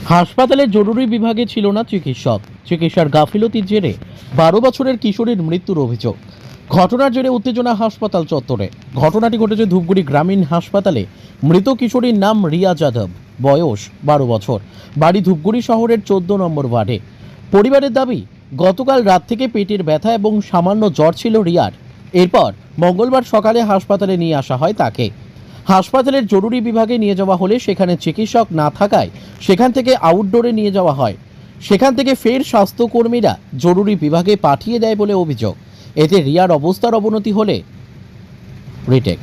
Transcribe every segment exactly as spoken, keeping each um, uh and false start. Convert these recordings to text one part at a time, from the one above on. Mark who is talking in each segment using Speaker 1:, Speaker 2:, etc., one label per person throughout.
Speaker 1: হাসপাতালের জরুরি বিভাগে ছিল না চিকিৎসক। চিকিৎসার গাফিলতির জেরে বারো বছরের কিশোরীর মৃত্যুর অভিযোগ। ঘটনার জেরে উত্তেজনা হাসপাতাল চত্বরে। ঘটনাটি ঘটেছে ধূপগুড়ি গ্রামীণ হাসপাতালে। মৃত কিশোরীর নাম রিয়া যাদব, বয়স বারো বছর, বাড়ি ধূপগুড়ি শহরের চোদ্দ নম্বর ওয়ার্ডে। পরিবারের দাবি, গতকাল রাত থেকে পেটের ব্যথা এবং সামান্য জ্বর ছিল রিয়ার। এরপর মঙ্গলবার সকালে হাসপাতালে নিয়ে আসা হয় তাকে। হাসপাতালের জরুরি বিভাগে নিয়ে যাওয়া হলে সেখানে চিকিৎসক না থাকায় সেখান থেকে আউটডোরে নিয়ে যাওয়া হয়। সেখান থেকে ফের স্বাস্থ্যকর্মীরা জরুরি বিভাগে পাঠিয়ে দেয় বলে অভিযোগ। এতে রিয়ার অবস্থার অবনতি হলে রিটেক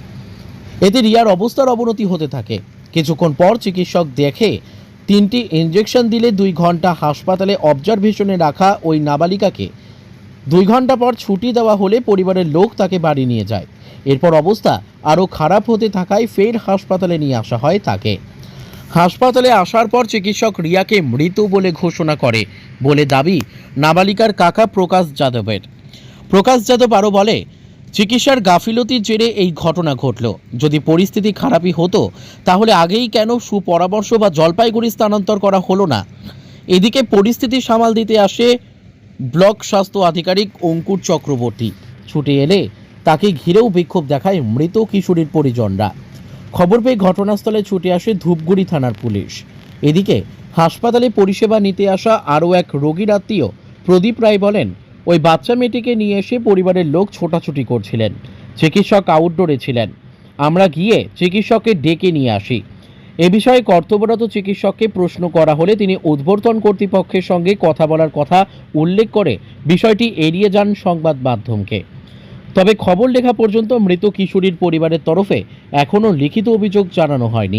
Speaker 1: এতে রিয়ার অবস্থার অবনতি হতে থাকে। কিছুক্ষণ পর চিকিৎসক দেখে তিনটি ইঞ্জেকশন দিলে দুই ঘন্টা হাসপাতালে অবজারভেশনে রাখা ওই নাবালিকাকে দুই ঘন্টা পর ছুটি দেওয়া হলে পরিবারের লোক তাকে বাড়ি নিয়ে যায়। এরপর অবস্থা আরও খারাপ হতে থাকায় ফের হাসপাতালে নিয়ে আসা হয় তাকে। হাসপাতালে আসার পর চিকিৎসক রিয়াকে মৃত বলে ঘোষণা করে বলে দাবি নাবালিকার কাকা প্রকাশ যাদবের। প্রকাশ যাদব আরও বলে, চিকিৎসার গাফিলতির জেরে এই ঘটনা ঘটল। যদি পরিস্থিতি খারাপই হতো তাহলে আগেই কেন সুপরামর্শ বা জলপাইগুড়ি স্থানান্তর করা হলো না। এদিকে পরিস্থিতি সামাল দিতে আসে ব্লক স্বাস্থ্য আধিকারিক অঙ্কুর চক্রবর্তী। ছুটে এলে তাকে ঘিরেও বিক্ষোভ দেখায় মৃত কিশোরীর পরিজনরা। খবর পেয়ে ঘটনাস্থলে ছুটে আসে ধূপগুড়ি থানার পুলিশ। এদিকে হাসপাতালে পরিষেবা নিতে আসা আরও এক রোগীর আত্মীয় প্রদীপ রায় বলেন, ওই বাচ্চা মেয়েটিকে নিয়ে এসে পরিবারের লোক ছোটাছুটি করছিলেন। চিকিৎসক আউটডোরে ছিলেন। আমরা গিয়ে চিকিৎসককে ডেকে নিয়ে আসি। এ বিষয়ে কর্তব্যরত চিকিৎসককে প্রশ্ন করা হলে তিনি উদ্বর্তন কর্তৃপক্ষের সঙ্গে কথা বলার কথা উল্লেখ করে বিষয়টি এড়িয়ে যান সংবাদ মাধ্যমকে। তবে খবর লেখা পর্যন্ত মৃত কিশোরীর পরিবারের তরফে এখনও লিখিত অভিযোগ জানানো হয়নি।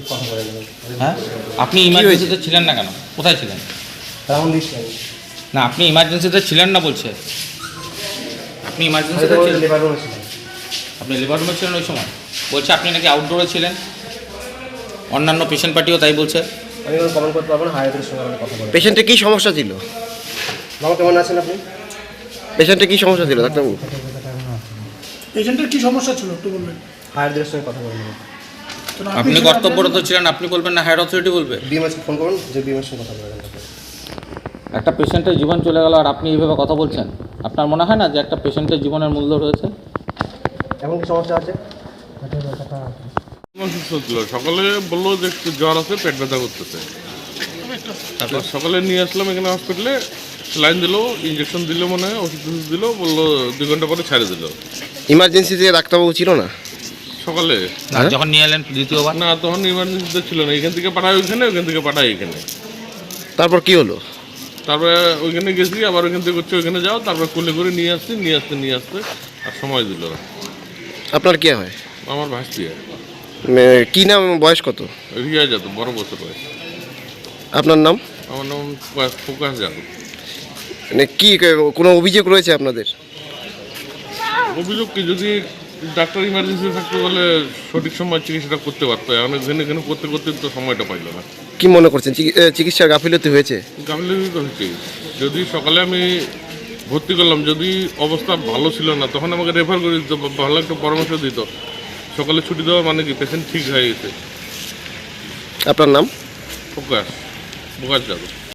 Speaker 2: হ্যাঁ, আপনি ইমার্জেন্সিতে ছিলেন না কেন? কোথায় ছিলেন? না, আপনি ইমার্জেন্সিতে ছিলেন না বলছে। আপনি ইমার্জেন্সিতে ছিলেন? আপনি লেবার রুমে ছিলেন ওই সময়? বলছে আপনি নাকি আউটডোরে ছিলেন। অন্যান্য পেশেন্ট পার্টিও তাই বলছে।
Speaker 3: আমি কমেন্ট করতে পারবো না। হায়াতের সঙ্গে আমি কথা বলবো।
Speaker 4: পেশেন্টের কী সমস্যা ছিল?
Speaker 3: বাবা কেমন আছেন আপনি?
Speaker 4: পেশেন্টের কী সমস্যা ছিল ডাক্তারবাবু?
Speaker 5: পেশেন্টের কি সমস্যা ছিল একটু বলবেন।
Speaker 3: হায়াতের সঙ্গে কথা বলবো।
Speaker 2: আপনি কর্তব্যরত ছিলেন, আপনি বলবেন না হায়ার অথরিটি বলবে?
Speaker 3: বিএমএসকে ফোন করুন, যে বিএমএস সঙ্গে কথা বলবেন।
Speaker 2: একটা পেশেন্টের জীবন চলে গেল আর আপনি এইভাবে কথা বলছেন। আপনার মনে হয় না যে একটা পেশেন্টের জীবনের মূল্য রয়েছে?
Speaker 3: এমন কি সমস্যা আছে?
Speaker 6: অসুস্থ ছিল, সকালে বললো যে একটু জ্বর আছে, পেট ব্যথা করতেছে। তারপর সকালে নিয়ে আসলাম এখানে হসপিটালে, স্যালাইন দিল, ইঞ্জেকশন দিল, মনে হয় ওষুধ টষুধ দিল, বললো দুই ঘন্টা পরে ছেড়ে দিল।
Speaker 4: ইমার্জেন্সিতে ডাক্তারবাবু ছিল না
Speaker 6: সকালে?
Speaker 2: যখন নিয়ে এলেন দ্বিতীয়বার?
Speaker 6: না, তখন ইমার্জেন্সিতে ছিল না। এখান থেকে পাঠায় ওইখানে, ওইখান থেকে পাঠায় এখানে।
Speaker 4: তারপর কি হলো?
Speaker 6: তারপরে ওইখানে গেছি, আবার ওইখান থেকে হচ্ছে ওইখানে যাও, তারপর কোলে করে নিয়ে আসছি, নিয়ে আসতে নিয়ে আসতে আর সময় দিল না।
Speaker 4: আপনার কি হয়?
Speaker 6: আমার ভাসতি
Speaker 4: কি নাম, বয়স কত?
Speaker 6: রিয়া যাদব, বড় বছর বয়স।
Speaker 4: আপনার নাম?
Speaker 6: আমার নাম প্রকাশ প্রকাশ যাদব।
Speaker 4: মানে কি কোনো অভিযোগ রয়েছে আপনাদের?
Speaker 6: অভিযোগ কি, যদি ডাক্তার ইমার্জেন্সি থাকতে বলে সঠিক সময় চিকিৎসাটা করতে পারতো। এখন এখানে এখানে করতে করতে তো সময়টা পাইল না।
Speaker 4: কি মনে করছেন, চিকিৎসার গাফিলতি হয়েছে?
Speaker 6: গাফিলতি তো হচ্ছে। যদি সকালে আমি ভর্তি করলাম, যদি অবস্থা ভালো ছিল না, তখন আমাকে রেফার করে দিত, ভালো একটা পরামর্শ দিত। সকালে ছুটি দেওয়া মানে কি পেশেন্ট ঠিক হয়ে গেছে।
Speaker 4: আপনার নাম?
Speaker 6: প্রকাশ প্রকাশ যাদব।